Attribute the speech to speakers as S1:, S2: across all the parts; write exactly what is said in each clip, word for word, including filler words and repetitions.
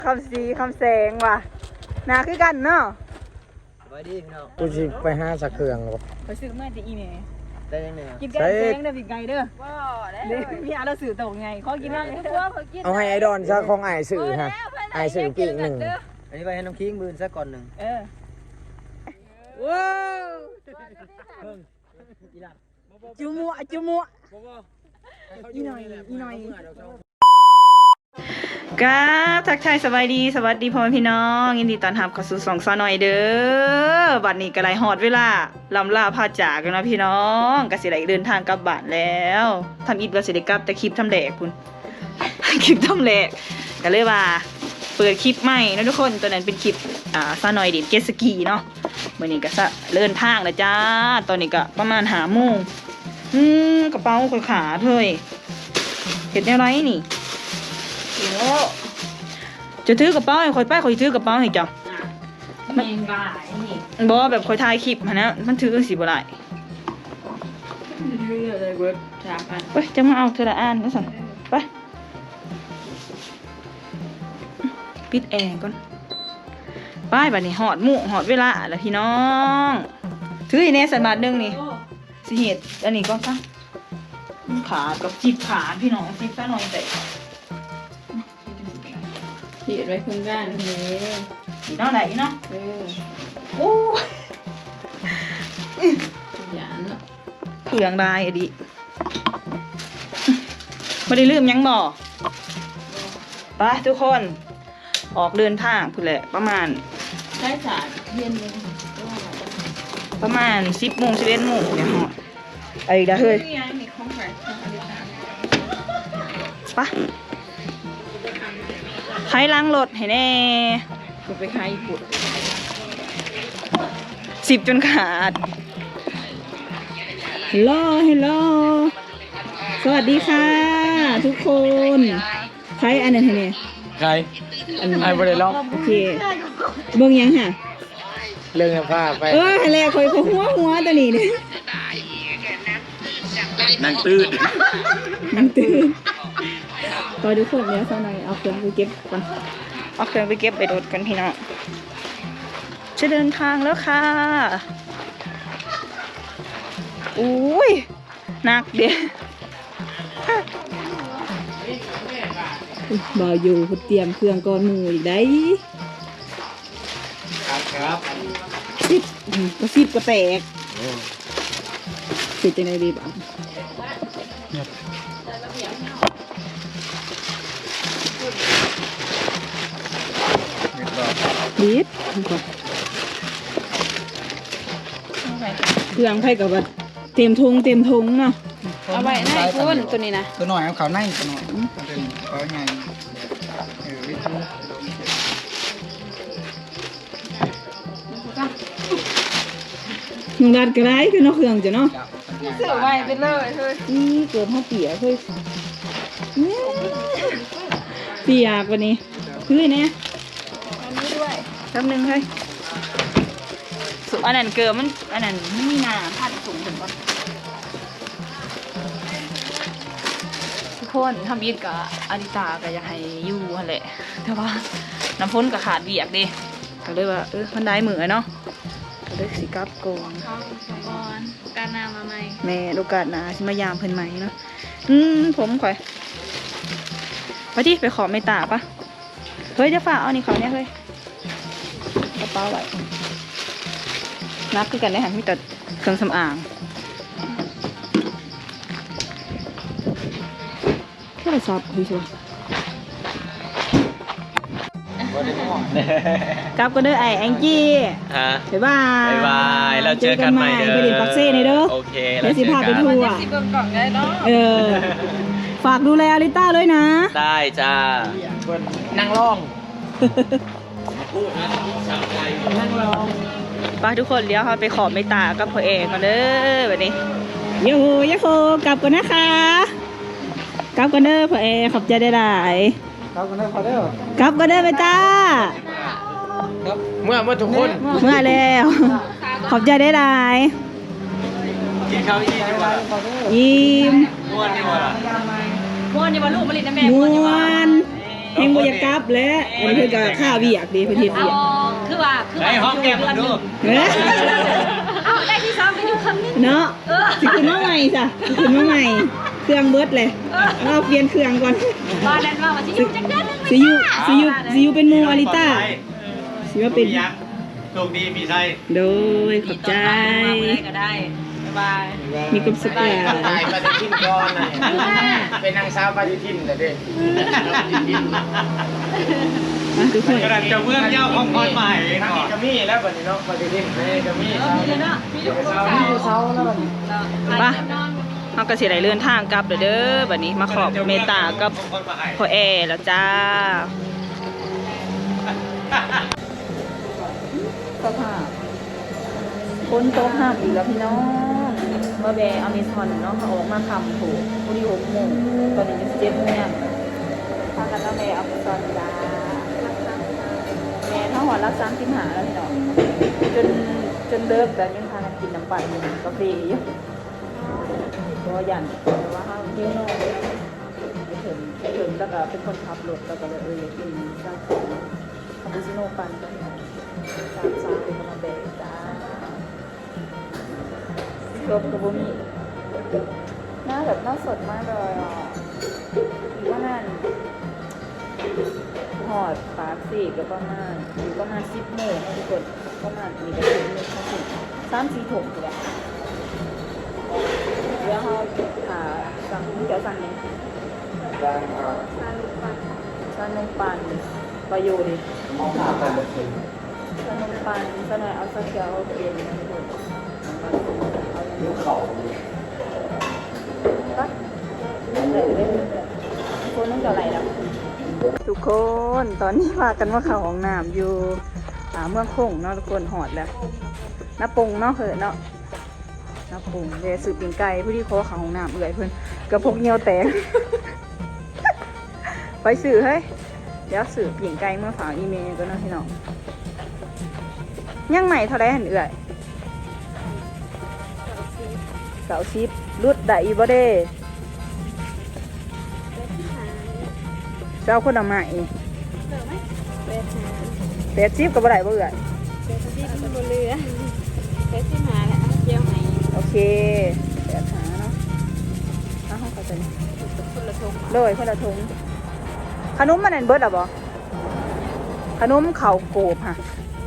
S1: คำสีคำแสงว่ะนาคือกันเนาะ
S2: ไว้ดีพี่น้อง
S3: กูสิไปหาสักเครื่องบ่
S1: ไปซื้อมาจะอีเนี่ย
S2: ได้ยังไง
S1: กินแกงแสงเด้อพี่ไก่เด้อว้าได้พี่อาเราสื่อตรงไงขอกินได้
S3: เอาให้ไอดอนซะของไอสื่อฮะไอสื่อปีกหนึ่ง
S2: อันนี้ไปให้น้ำคิงบืนซะก่อนหนึ่ง
S1: เออว้าวจุมัวจุมัวอีหน่อยอีหน่อยกาทักทายสบายดีสวัสดีพ่อแม่พี่น้องยินดีต้อนรับเข้าสู่สองซอหน่อยเด้อบัดนี้ก็ได้ฮอดเวลาลำลาพาจากกันนะพี่น้องก็สิได้เดินทางกลับบ้านแล้วทำอิดว่าสิได้กลับแต่คลิปทำแหลกคุณคลิปทำแหลกก็เลยว่าเปิดคลิปใหม่นะทุกคนตัวนั้นเป็นคลิปอ่าซอหน่อยดินเกสกีเนาะมื้อนี้ก็ซะเดินทางแล้วจ้าตอนนี้ก็ประมาณห้าโมงอืมกระเป๋าข่อยขาดเฮ้ยเฮ็ดแนวไรนี่จะถือกระเป๋าให้คอยไปคอยถือกระเป๋าให้จ้ะมันบอกแบบคอยถ่ายคลิปฮะนะมันถือสิบ่ได้ไปจะมาเอาเธอละอันนะสันไปปิดแอร์ก่อนไปบัดนี้หอดหมู่หอดเวลาแล้วพี่น้องถืออีเนสันบาทนึงนี่สิเหตุอันนี้ก็ตั้งขาดกับจีบขาพี่น้องจีบซะหน่อยแต่
S4: ขีดไว้พึ่งด้านนี้
S1: อีน้องไหนเนาะ
S4: เออ
S1: โอ้
S4: หยานเนาะ
S1: เปลืองได้อะดิไม่ได้ลืมยังบ่ไปทุกคนออกเดินทางพุ่นแหละประมาณ
S4: ใช้ศาสตร์เย็นเลย
S1: ประมาณสิบโมงสิบเอ็ดโมงเนี่ยหอดไอ้ดาเฮ้ยไปใครล้างรถให้แน่
S4: จะไปขายญี่ปุ่น
S1: สิบจนขาดฮัลโหลฮัลโหลสวัสดีค่ะทุกคนใครอันนั้นให้แน่
S3: ใครอันไอ้บริล็อก
S1: โอเคเบิ่งยังค่ะ
S3: เรื่องผ้าไป
S1: เออแหละคอยเขาหัวหัวตัวนี้เนี่ย
S3: นั่งตื้น
S1: นั่งตื้นพอทุกคนเดี๋ยวสักหน่อยเอาเครื่องไปเก็บก่อนเอาเครื่องไปเก็บไปโดดกันพี่น้องจะเดินทางแล้วค่ะอุ้ยหนักเดี๋ยวบ่าวอยู่เตรียมเครื่องก่อนมืออีกได้
S3: ครับ
S1: สิบก็สิบก็แตกสิบจะไหนดีบ้างดีดเครื่องไผ่กับว่าเต็มทงเต็มทงเนาะ
S4: เอาไว้ให้คุณตัวนี้นะ
S3: ตัวหน่อยเอาเขาในตัวหน่อยเป็นเขาไงเออวิธี
S1: มึงดัดกระไรกันเนาะเครื่องจ้ะเนาะ
S4: เสือไว้ไปเลยเฮ้ย
S1: นี่เกิดห้องเปียกเฮ้ยเปียกวันนี้คือเนี่ย
S4: อันนี้ด้วย
S1: แป๊บนึงเฮ้ยสุอันนั้นเกิดมันอันนั้นไม่มีน้ำพัดสูงถึงก่อนทุกคนทำยิดกับอาริตาก็อยากให้อยู่แหละแต่ว่าน้ำพ้นกับขาดเบียกดิก็เลยว่าเออมันได้เหมือเนาะก็เลยสิกับโกง
S4: ก่อนการนามาใหม่
S1: แม่โอกาสหนาสิมายามเพิ่นใหม่เนาะอืมผมข่อยไปดิไปขอไม่ตาปะเฮ้ยจะฝากเอานี่เขาเนี่ยเฮ้ยกระเป๋าไว้นับคือกันได้หันมีแต่เครื่องสำอางโทรศัพท์ดีชัวกลับก็เด้อไอ้แองจี้
S2: ฮะ
S1: บ๊ายบาย
S2: บ๊ายบายเราเจอกันใหม่เด้อ
S1: ไปดิปักเซ่ในเด้อ
S2: โอเค
S1: แล้วสิพาไปทัวร์เออฝากดูแลอาริต้าด้วยนะ
S2: ได้จ้านั่งร้อง
S1: นั่งร้องไปทุกคนเลี้ยวเขาไปขอไม่ตากับพ่อเอกมาเด้อแบบนี้โยโฮยโฮกลับกันนะคะกลับกันเด้อพ่อเอกขอบใจได้หลาย
S3: กลับกันเด้อพ่อเด้อก
S1: ลับกันเด้อไปจ้า
S3: เมื่อเมื่อทุกคน
S1: เมื่อแล้วขอบใจได้หลาย
S2: กินข้าวอิ่มดีกว่า
S1: อิ่ม
S2: ม้วนดีกว่า
S4: ม้วนดีกว่าลูกมาลินนะแม่
S1: ม้วนเฮงบ่อยากกลับแล้วอันนี้เพิ่นก็ค่าเวียกดีเพิ่นเฮ็ด
S4: เอา
S1: เวียก
S4: คือว่าคือ
S2: ไอ้
S4: ว่า
S2: ห้องแก้มมันดู
S1: เฮ้ย
S4: เอาได้ที่ซ้อมไปอยู่คำนึง
S1: เนาะสิขึ้นมาใหม่จ้ะสิขึ้นมาใหม่ เครื่องเบิดเลยเราเปลี่ยนเครื่องก่อน
S4: ว่าแล้วว่ามันสิอยู่จักเดือนนึง
S1: สิอยู่สิอยู่สิอยู่เป็นหมู่อาริต้าสิว่าเป็น
S2: ยักษ์โชคดีมีไส้
S1: โดยขอบใจ
S4: ก็ได้บ๊ายบาย
S1: มีความสุขหลาย
S5: ตายปฏิทินก่อนนะเป็นนางสาวปฏิทินแต่เด็ก
S1: มาทุกคน
S2: กระดาษจะเมืองเย้าของพรใหม่
S5: ทาง
S2: ก่อ
S5: นี้
S2: น
S5: ก็มีแล้วปฏิทินปฏิทินนี่ก็มี
S4: เออมีเลยเนาะมีอยู่คน
S5: มีเสาแล้วบัดนี้
S1: ไปเฮาก็สิได้เดินทางกลับเด้อเด้อบัดนี้มาขอบเมตตากับพ่อแอแล้วจ้าสภาพคนโต๊ะห้ามอีกแล้วพี่น้องเมื่อแบอเมซอนเนาะเขาออกมาทำถูกพอดีหกโมงตอนนี้จะเจ็ดโมงเนี่ยพากันแล้วแบอเมซอนจ้าแม่ถ้าหอดรักซ้ำสิบหาแล้วพี่น้องจนจนเลิกแต่ยังพากันกินน้ำปั่นอยู่กาแฟอยู่ก็ยันแต่ว่าห้ามเที่ยวนอกไปถึงไปถึงแล้วก็เป็นคนขับรถแล้วก็เลยเออกินร้านของคาปูชิโน่ปั่นกันสามสามเป็นกำลังแบกจ้าเกือบกับบุมีหน้าแบบหน้าสดมากเลยอ่ะอีกว่านั่นหอดปากสี่ก็ประมาณอยู่ประมาณสิบโมงนะทุกคนประมาณมีกระถิ่นมีข้าวถิ่นสามสี่ถุงเลยเดี๋ยวเขาอ่าสั่งเดี๋ยวสั่งเนี่ยสั่งนมปันประโยชน์ดิสั่งนมปันสั่งหน่อยเอาสักเกียวเปลี่ยนนะทุกคนเอาเขาตัดเลยเลยคนต้องเจาะไหลแล้วทุกคนตอนนี้พากันว่าเขาห้องน้ำอยู่อ่าเมืองคงเนาะทุกคนหอดแล้วน้าปงเนาะเหอะเนาะน้าปงเดี๋ยวสืบปิ่งไก่ผู้ที่เขาเขาห้องน้ำเอื่อยเพื่อนกระพกเงียวแตก ไปสื่อเฮ้ยเดี๋ยวสืบปิ่งไก่เมื่อฝากอีเมลก็เนาะพี่น้องยังใหม่เท่าไรหันเอื่อยเสาชิปรุดได้อีบ่เด้เจ้าคนละใหม่แปดชิปกับบ่ได้บ่เอื่อย
S4: ที่มันบนเรือแค่ที่มาแหละเจียวไห
S1: โอเคแปดหาเนาะเอาห้องเขาจะนี่
S4: คนละทง
S1: โดยคนละถุงขนมมันนั่นเบิดหรอบ่ขนมเข่าโกบฮะ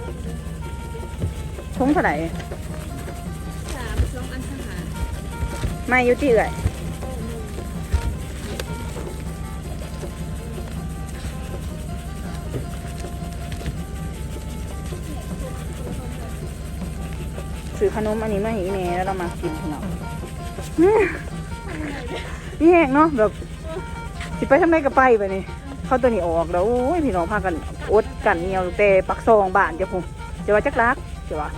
S1: ถุงเท่าไหร่
S4: สามสองอันทหาร
S1: ไม่อยู่ที่เอื่อยซื้อขนมอันนี้มาให้อีเมแล้วเรามากินพี่น้องนี่แห้งเนาะแบบสิไปทำไมก็ไปไปนี่เข้าตัวนี้ออกแล้วโอ้ยพี่น้องพากันอดกันเงียวแต่ปักซองบ้านจะพุ่งจะว่าจักรักจะว่า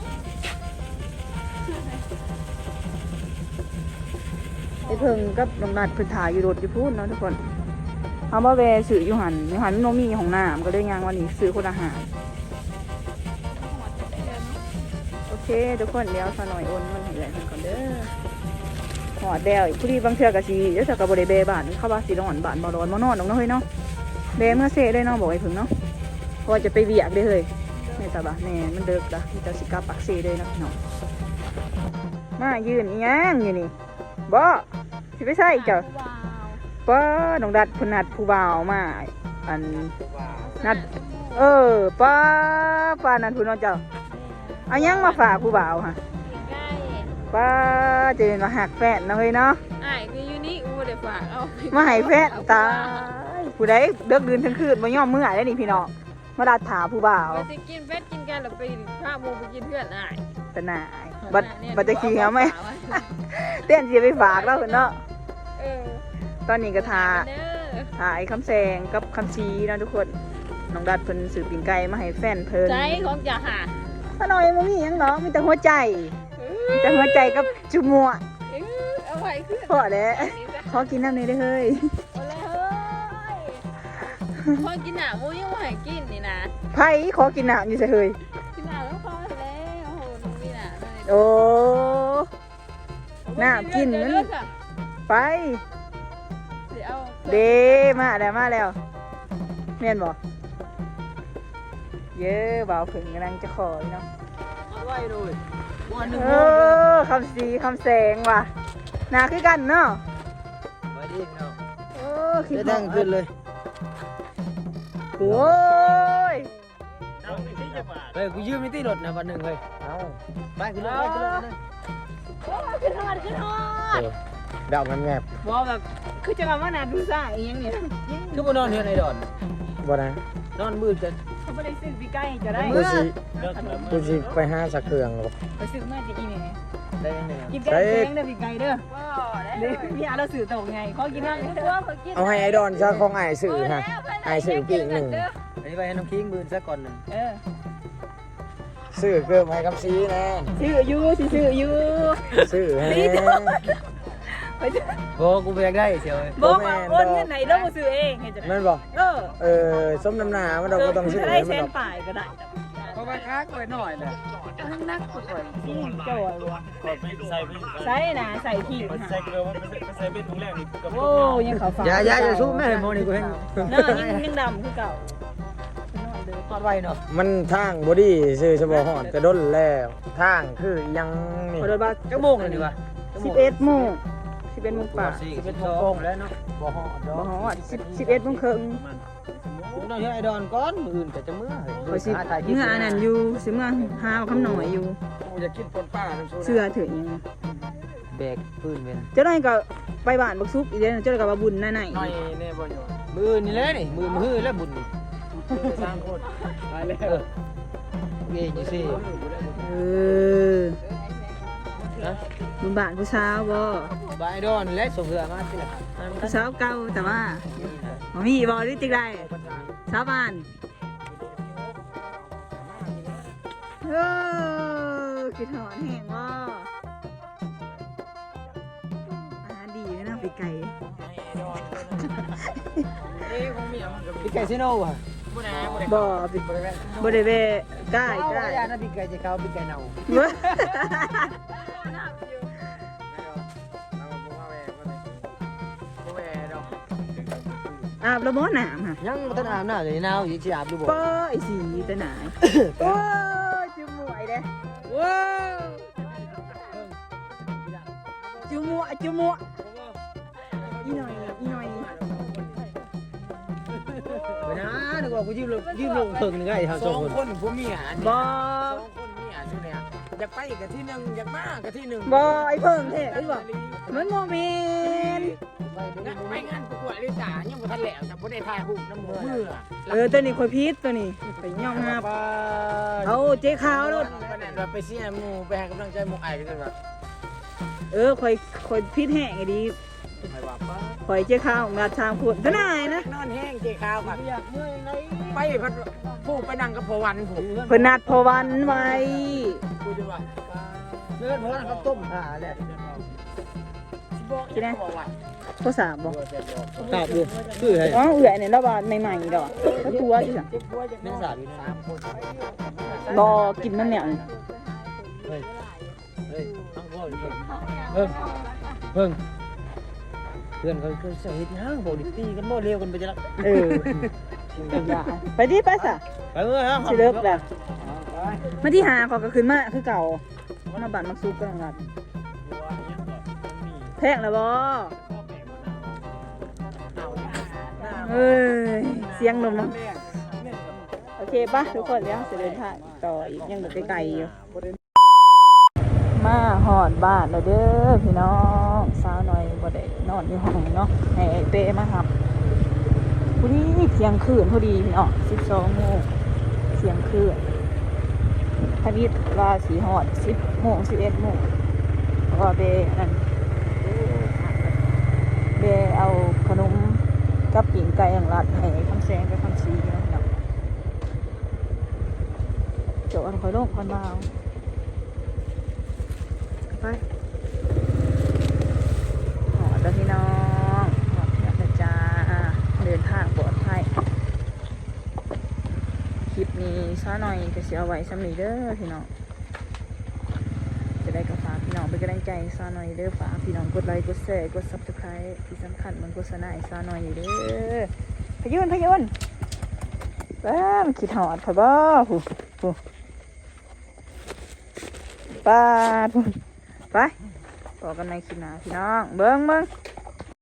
S1: ไอ้เพิ่งกับน้องนัดพื้นถ่ายอยู่รถอยู่พูดเนาะทุกคนเอามาแวะซื้ออยู่หันอยู่หันโนมีของน้ำก็เลยยางวันนี้ซื้อคนอาหารโอเคทุกคนเดี๋ยวสหน่อยโอนมันให้เลยก่อนเด้อหอดแล้วผู้ดีบางเทือกะสีเดี๋ยวจะกับบริเบบ้านเข้าบ้านสีร้อนบ้านบ่ร้อนบ่นอนน้องเนาะเฮ้ยเนาะเบเมื่อเซ่ได้เนาะบอกไอ้พึ่งเนาะพอจะไปเวียกได้เลยแม่ตาบ้าแม่มันเดิกละที่จะสิกาปักเซ่เลยนะพี่น้องมายืนอีหยังอยู่นี่บ่สิไปใส่เจ้าป้าน้องดัดพนัดผู้บ่าวมาอันนัดเออป้าป้านัดผู้น้องเจ้าเอายังมาฝากผู้บ่าวฮะป้าจะเป็นมาหักแฟนนะเฮ้ยเนาะ
S4: อ้ายคืออยู่นี่อูเดี๋ยวฝากเอา
S1: มาให้แฟนตายผู้ใดเลิกดื่นทั้งคืนมาย่อมเมื่อยได้นี่พี่น้องมาดัดถาผู้บ่าว
S4: ไปสิกินเป็ดกินกันแล้วไปผ้าโมไปกินเพื่อนอ้าย
S1: แต่หนายบัดบัดจะขี้เขาไหมเต้นจะไปฝากแล้วเนาะ
S4: เออ
S1: ตอนนี้ก็ทา
S4: เด้อ
S1: ถ่ายคำแซงกับคำชี้นะทุกคนน้องดัดเพิ่นสืบปิ่งไก่มาให้แฟนเพิ่น
S4: ใจของจ่าหา
S1: ถ้าน้อยมันมีหยังเนาะมีแต่หัวใจมีแต่หัวใจกับจุมัว
S4: เออเอาไว้ขึ้น
S1: พอแล้วขอกินน้ำนี้ได้เฮ้ย
S4: เอาเลยเฮ้ยพอกินหนามูยังไม่ให้กินนี่นะ
S1: ไผ่ขอกินน้ำอยู่ใส่เฮ้ย
S4: กินหนาแล้วพอแล้วโอ้โหน้องมีหนาเลย
S1: โอ้น้ำกินมันไป
S4: เดี๋ยวเอา
S1: เดมาแล้วมาแล้วแม่นบ่เย้บ่าวผึ่งกำลังจะขอเนาะ
S5: เอาไว้เลยวันหนึ่ง
S1: เออคำสีคำแสงว่ะหนาคือกันเนาะ
S5: ไว้ดิเนาะ
S1: เออคิด
S5: จะตั้งขึ้นเลย
S1: โอ้ย
S5: เฮ้ยกูยืมไม่ตีรถนะวันหนึ่งเฮ้ยเอาไปขึ้นรถไปขึ้นรถเลย
S1: ขึ้นฮอดขึ้นฮอด
S5: เดามันแงบ
S1: บ่แบบคือจะมาว่านาดูซ่าอีหยังเนี่ย
S5: คือบ่นอนเฮือนไอ้ดอนบ่นะนอนมืดจะ
S1: เขาบ่ได้ซื้อพี่ไก่จะได้
S5: กูสิกูสิไปหาสักเครื่องหรอก
S1: ไปซื้อมาจะอีแม่
S5: ได้ยังไง
S1: กินแกงแกงเด้อพี่ไก่เด้อเด้อพี่อาเราซื้อตกไงขอกินน้ำอยู่ตัวขอกิน
S5: เอาให้ไอ้ดอนซะของไอ้สื่อฮะไอ้สื่อปีกหนึ่งอันนี้ไปให้น้องคิงมือซะก่อนหนึ่ง
S1: เออ
S5: ซื้อเกิมให้คำซีแน่
S1: ซื้ออยู่สิซื้ออยู่
S5: ซื้อให้
S1: นี่เด้อไปเด้อ
S5: โอ้กูไปอยากได้เชียว
S1: บอกว่าโอนเงินไหนเราบ่ซื้อเองเห็นจังได๋
S5: นั่นบอก
S1: เออ
S5: เออส้มน้ำหนามันเราก็ต้องซื้อ
S1: ได้
S5: ให้
S1: แส
S5: มัน
S1: น
S5: ดอก
S1: ป่ายก็ได้
S3: เพราะว่าค้างไว้หน่อยแหละ
S1: นักกว่าจริงจ่อยว่ะใส่นะใส่ขี้ใส่เกลือว่าใส่เป็นถุงแรกนี่โอ้ยังขาวฟ้า
S5: อย่าอย่าอย่าสู้แม่โมนี่กูให้
S1: เนาะยังยังดำคือเก่า
S5: ทอดไว้เนาะมันทางบอดี้ซื้อเฉพาะหอดกระด้นแล้วทางคือยังนี่
S1: ขอโทษบ่า
S5: จักโมงเลยดีกว่า
S1: สิบเอ็ดโมงสิบเอ็ดโมงป่า
S5: สิบเอ็ดโมงแล้วเนาะบ่หอดดอก
S1: บ่ฮอดสิบสิบเอ็ดโมงครึ่ง
S5: กูต้องให้ไอ้ดอนก่อนมื้ออื่นก็จะมื้อ
S1: ขอยสิเมื่ออันนั้นอยู่สิเมื่อหาคำหน่อยอยู่
S5: กูจะกินปนป้าน้ำซุป
S1: เสื้อถือยัง
S5: แบกปืนเป็น
S1: เจ้าได้ก็ไปบ้านบักซุกอีกเด้อเจ้าได้ก็ว่าบุญหน้าไหน
S5: น้อยแน่บ่อยู่มื้อนี่แหละนี่มื้อมื้อแล้วบุญนี่สร้างคนไปแล้วเงี้ยอยู่สิ
S1: เออ
S5: นะ
S1: บุญบ้านผู้สาวบ่
S5: บายดอนและส่งเรือมาสิล่ะ
S1: ผู้สาวเก่าแต่ว่าบ่มีบ่หรือจังได๋สาวบ้านเออคิดหอนแห้งบ่อาหารดีเลยนะปีไก่
S5: พี่ไก่ซิโน่อะ
S1: บ่ปีบ่ได้เวใกล้
S5: เอา
S1: ใกล้
S5: อย่านะพี่ไก่จะเข้าพี่ไก่เน่า
S1: เว้ยอาบแล้วบ่น้ำค่ะ
S5: ยังบ่ทันอาบน้ำเลยหนาวอีกสิอาบดูบ่
S1: ป้อไอ้สีแต่หนายโอ้ยจุ่มหมวยเด้ว้าวจุ่มหมวยจุ่มหมวยอีหน่อยอีหน่อย
S5: ไปนะนึกว่ากูยืมลงยืมลงเพิ่งนึงไงทางสองคนผัวเมีย
S1: บ่
S5: สองคนเมียชื่อเนี่ยอยากไปกับที่หนึ่งอยากมากับที่หนึ่ง
S1: บ่ไอ้เพิ่งแท้ไอ้บ่มันโมเมน
S5: ไปงานประกวดลิซ่ายังบ่ทันแล้วแต่บ่ได้ถ่ายรูปน้ำมือ
S1: เออตัวนี้คอยพีชตัวนี้ไปย่องงับเอาเจ๊ขาวรถ
S5: ไปนั่นว่าไปเสียหมู่ไปให้กำลังใจหมู่ไอ้กันว่า
S1: เออคอยคอยพีชแห้งไอ้ดี
S5: ไปว่าป้า
S1: คอยเจ๊ขาวงาชามขวดตัวไหนนะ
S5: นอนแห้งเจขาวกันอยากเมื่อยไหนไปพัดผู้ไปนั่งกับพวันผม
S1: เพิ่นนัดพอวันไว้
S5: กูจะว่าเลื่อนเพราะเขาต้มขาแหละ
S1: ที่ไหนโทรศัพท์บ่
S5: ตอบดูคือไง
S1: อ๋อเอื่อยเนี่ยระบาดใหม่ๆดอกก็ตัวที่สั่ง
S5: นักศึกษาอยู่สามคน
S1: บ่กินมันเนี่ย
S5: เฮ้ยเฮ้ยต้องพ่อเพิ่งเพิ่งเพื่อนเขาเขาเฮ็ดยังบอกดิตีกันบ่เร็วกันไปจะละ
S1: เออไปดิไปซะ
S5: ไปเมื่อฮะ
S1: สิเลิกแล้วมาที่หาเขาก็ขึ้นมาคือเก่ามาบ้านมักซุกกันงัดแพงแล้วบ่เอ้ยเสียงนมเนาะโอเคป่ะทุกคนเดี๋ยวจะเดินทางต่ออีกยังแบบไกลๆอยู่มาหอดบ้านแล้วเด้อพี่น้องสาวหน่อยบ่ได้นอนอยู่ห้องเนาะให้ไอ้เป้มาครับพอดีเที่ยงคืนพอดีพี่น้องสิบสองโมงเที่ยงคืนพอดีว่าสีหอดสิบโมงสิบเอ็ดโมงเพราะว่าเป้นั่นเป้เอาขนมกับปิ่งไก่อย่างรัดให้คำแสงกับคำซีเนาะพี่น้องโจอันคอยโลกคนมาเอาไปหอดแล้วพี่น้องหอดแล้วนะจ้าเดินทางปลอดภัยคลิปนี้ช้าหน่อยก็เสียไว้สำหรับเด้อพี่น้องจะได้กับฝากพี่น้องเป็นกำลังใจช้าหน่อยเด้อฝากพี่น้องกดไลค์กดแชร์กดซับสไครต์ที่สำคัญมันโฆษณาให้ช้าหน่อยอยู่เด้อพยุนพยุนแป้มคิดหอดค่ะบ่ผู้ผู้ป้าผู้ไปบอกกันในคลิปหน้าพี่น้องเบิ้งเบิ้ง